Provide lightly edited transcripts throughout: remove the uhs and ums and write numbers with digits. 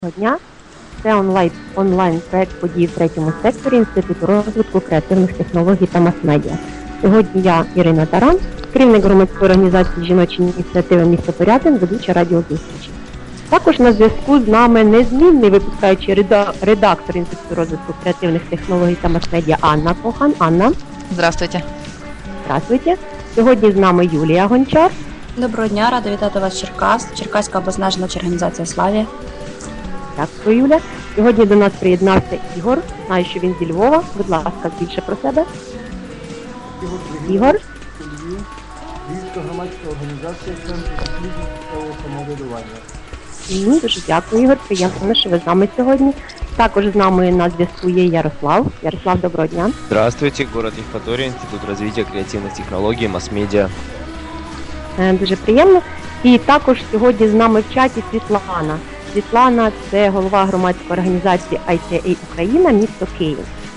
Дня. Це онлайн-проект подій в третьому секторі Інституту розвитку креативних технологій та мас-медіа. Сьогодні я, Ірина Таран, керівник громадської організації «Жіночі ініціативи місто Пирятин», ведуча радіозустрічі. Також на зв'язку з нами незмінний випускаючий редактор Інституту розвитку креативних технологій та мас-медіа Анна Кохан. Анна. Здравствуйте. Здравствуйте. Сьогодні з нами Юлія Гончар. Доброго дня, рада вітати вас з Черкас, Черкаська обласна жіноча організація «Славія». Дякую, Юля. Сьогодні до нас приєднався Ігор. Знаю, що він зі Львова. Будь ласка, більше про себе. Ігор. Львівська громадська організація Центр досліджень місцевого самоврядування. Дуже дякую, Ігор. Приємно, що ви з нами сьогодні. Також з нами на зв'язку є Ярослав. Ярослав, доброго дня. Здравствуйте, город Евпатория, Институт развития креативных технологий, масс-медиа. Дуже приємно. І також сьогодні з нами в чаті Світлана. Світлана – це голова громадської організації ICA Україна, місто Київ.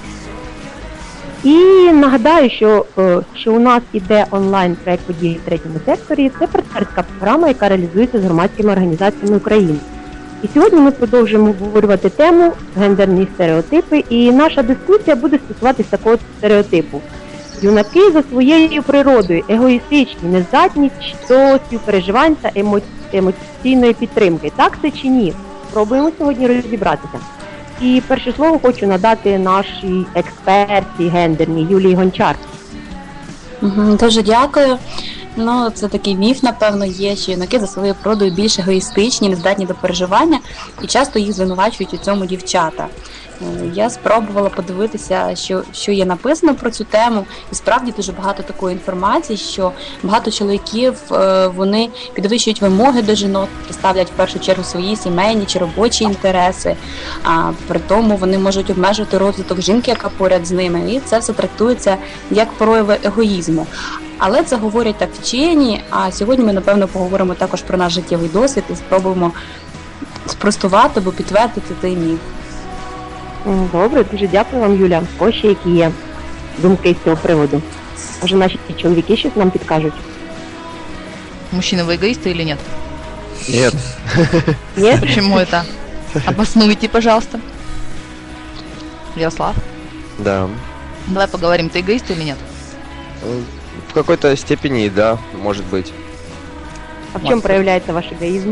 І нагадаю, що у нас іде онлайн-проект події в третьому секторі. Це партнерська програма, яка реалізується з громадськими організаціями України. І сьогодні ми продовжуємо обговорювати тему гендерні стереотипи. І наша дискусія буде стосуватися такого стереотипу. Юнаки за своєю природою егоїстичні, нездатні до співпереживань та емоційної підтримки. Так це чи ні? Спробуємо сьогодні розібратися. І перше слово хочу надати нашій експерті гендерній Юлії Гончар. Дуже дякую. Це такий міф, напевно, є, що юнаки за своєю природою більш егоїстичні, нездатні до переживання, і часто їх звинувачують у цьому дівчата. Я спробувала подивитися, що є написано про цю тему, і справді дуже багато такої інформації, що багато чоловіків, вони підвищують вимоги до жінок, ставлять в першу чергу свої сімейні чи робочі інтереси, а при тому вони можуть обмежити розвиток жінки, яка поряд з ними, і це все трактується як прояви егоїзму. Але це говорять так вчені, а сьогодні ми, напевно, поговоримо також про наш життєвий досвід і спробуємо спростувати або підтвердити цей міф. Добре, дуже дякую вам, Юля. Ось ще які є думки з цього приводу. Може, наші чоловіки щось нам підкажуть? Мужчины, вы эгоисты или нет? Нет. Ні? Почему это? Обоснуйте, пожалуйста. Ярослав, Да. давай поговорим, ты эгоист или нет? В какой-то степени, да, может быть. А в чому проявляється ваш егоїзм?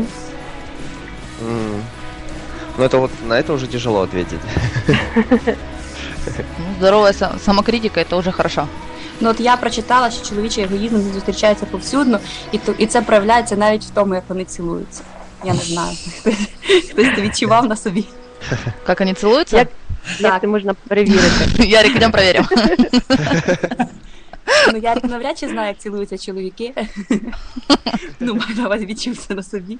Но это на это уже тяжело ответить. Здоровая самокритика, это уже хорошо. От я прочитала, що чоловічий егоїзм зустрічається повсюдно, і це проявляється навіть в тому, як вони цілуються. Я не знаю, хтось це відчував на собі. Как они целуются? Як це можна перевірити? Ярик, идем проверим. Ярик навряд чи знає, як цілуються чоловіки. Маю на увазі, відчув це на собі.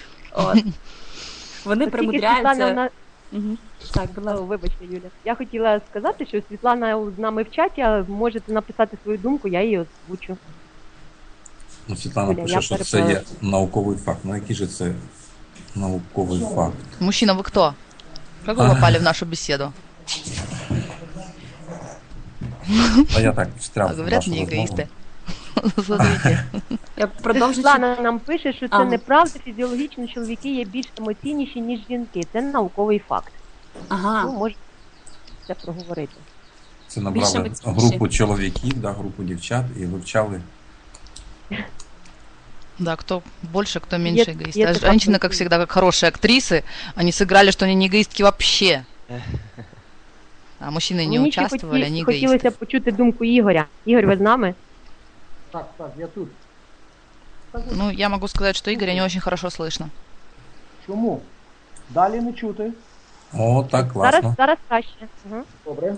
Вони примудряються... Так, будь ласка. Вибачте, Юля. Я хотіла сказати, що Світлана з нами в чаті, а можете написати свою думку, я її озвучу. Світлана пише, що це є науковий факт. Який же це науковий факт? Мужчина, вы кто? Как вы попали в нашу беседу? А я так встряв. Говорят, не эгоисты. Смотрите. Світлана нам пише, що це неправда, фізіологічно чоловіки є більш емоційніші, ніж жінки. Це науковий факт. Ага. Можете це проговорити. Це набрали групу чоловіків, групу дівчат і вивчали. Да, кто больше, кто меньше эгоисты. А женщины, как всегда, как хорошие актрисы, они сыграли, что они не эгоистки вообще. А мужчины не участвовали, они эгоисты. Хотілося почути думку Ігоря. Ігор, ви з нами? Так, я тут. Я могу сказать, что Игоря не очень хорошо слышно. Чому? Далі не чути. О, так, класно. Зараз краще. Добре.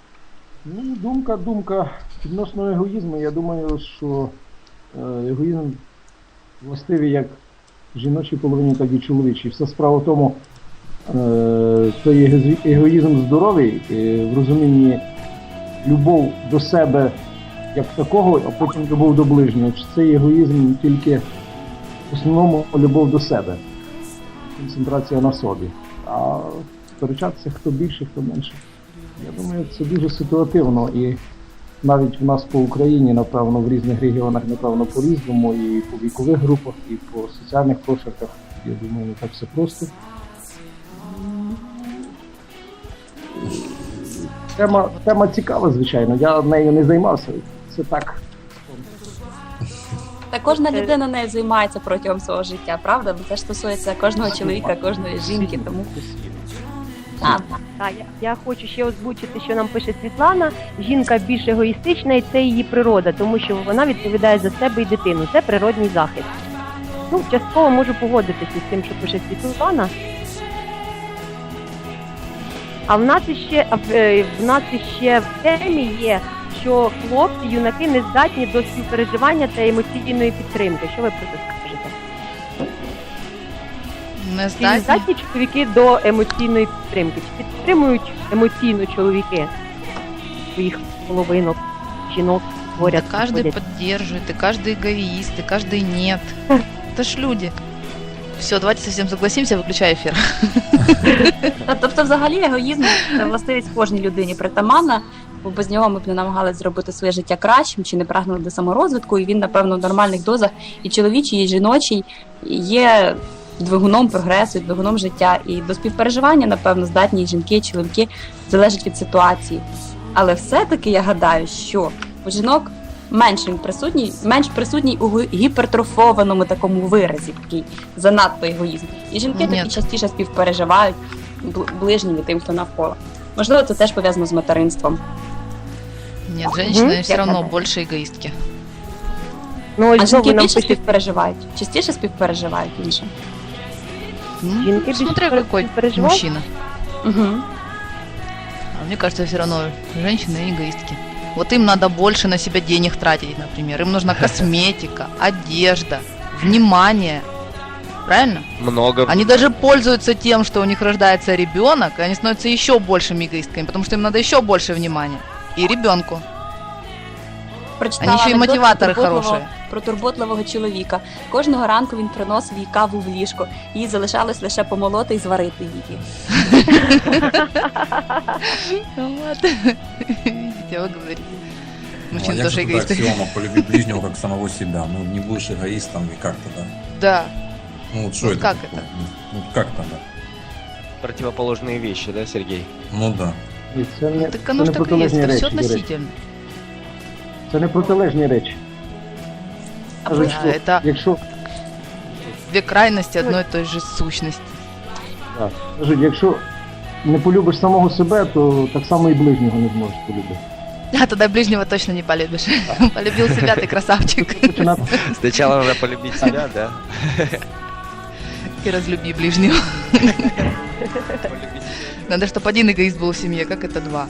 Думка відносно егоїзму. Я думаю, що егоїзм властивий як жіночій половині, так і чоловічій. Вся справа в тому, той егоїзм здоровий, в розумінні любов до себе як такого, а потім любов до ближнього. Цей егоїзм тільки в основному любов до себе. Концентрація на собі. А сперечатися хто більше, хто менше. Я думаю, це дуже ситуативно і навіть в нас по Україні, напевно, в різних регіонах, напевно, по-різному, і по вікових групах, і по соціальних прошарках. Я думаю, не так все просто. Тема цікава, звичайно. Я нею не займався. Це так. Та кожна людина нею займається протягом свого життя, правда? Бо це ж стосується кожного чоловіка, кожної жінки, тому... Так, я хочу ще озвучити, що нам пише Світлана. Жінка більш егоїстична, і це її природа, тому що вона відповідає за себе і дитину. Це природній захист. Ну, частково можу погодитися з тим, що пише Світлана. А в нас іще в темі є, що хлопці, юнаки не здатні до співпереживання та емоційної підтримки. Що ви про це скажете? Чи не здатні чоловіки до емоційної підтримки? Чи підтримують емоційно чоловіки своїх половинок, жінок, говорять? Да каждый поддерживает, и каждый эгоист, и каждый нет. Это ж люди. Все, давайте совсем согласимся, выключай эфир. Тобто, взагалі, егоїзм – це властивість кожній людині притаманна, бо без нього ми б не намагалися зробити своє життя кращим, чи не прагнули до саморозвитку, і він, напевно, в нормальних дозах і чоловічий, і жіночий є двигуном прогресу, двигуном життя. І до співпереживання, напевно, здатні і жінки, і чоловіки, залежить від ситуації. Але все-таки я гадаю, що у жінок менш присутній у гіпертрофованому такому виразі, такий занадто егоїзм. І жінки такі частіше співпереживають ближнім і тим, хто навколо. Можливо, це теж пов'язано з материнством. Нет, женщины все равно больше эгоистки. Ну, а жінки більше співпереживають? Частіше співпереживають іншим? Жінки смотря какой мужчина. Угу. А мне кажется, все равно женщины эгоистки. Вот им надо больше на себя денег тратить, например. Им нужна косметика, одежда, внимание. Правильно? Много. Они даже пользуются тем, что у них рождается ребенок, и они становятся еще большими эгоистками, потому что им надо еще больше внимания. И ребенку. Прочитала ще й мотиватори хороші. Про турботливого чоловіка. Кожного ранку він приносив їй каву в ліжко. Їй залишалось лише помолоти і зварити її. Вот. Видите, вы говорите. Мужчины тоже эгоисты. Аксиома полюби ближнего как самого себя. Ну, не будешь эгоистом и как-то, да? Да. Ну, вот что это как такое? это? Ну, как-то, да. Противоположные вещи, да, Сергей? Ну, да. І це не, Так оно ж так и есть, это все относительно. Це не протилежні речі. Кажуть, що это якщо, две крайности одной и той же сущности. так, кажуть, якщо не полюбиш самого себе, то так само і ближнього не зможеш полюбити. А тогда ближнего точно не полюбишь. Полюбил себя, ты красавчик. Сначала надо полюбить себя, да? И разлюби ближнего. Надо, чтобы один эгоист был в семье, как это два.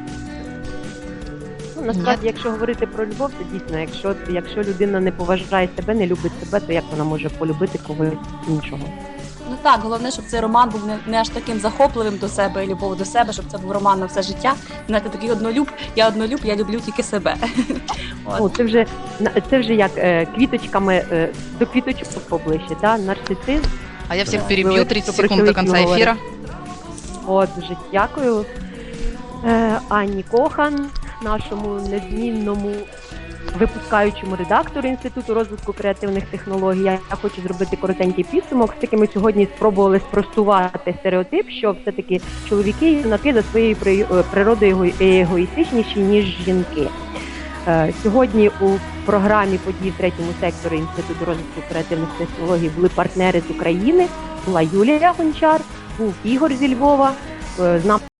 Ну, насправді, якщо говорити про любов, то дійсно, якщо людина не поважає себе, не любить себе, то як вона може полюбити когось іншого? Ну так, головне, щоб цей роман був не аж таким захопливим до себе і любов до себе, щоб це був роман на все життя. Знаєте, такий однолюб, я люблю тільки себе. Ну, це вже як квіточками, до квіточок поближче, да? Нарцисизм. А я всех перебью, 30 секунд до конца эфира. От, дуже дякую Анні Кохан, нашому незмінному випускаючому редактору Інституту розвитку креативних технологій. Я хочу зробити коротенький підсумок. Все-таки ми сьогодні спробували спростувати стереотип, що все-таки чоловіки і юнаки за своєю природою егоїстичніші, ніж жінки. Сьогодні у програмі подій в третьому секторі Інституту розвитку креативних технологій були партнери з України, була Юлія Гончар, був Ігор зі Львова, з нами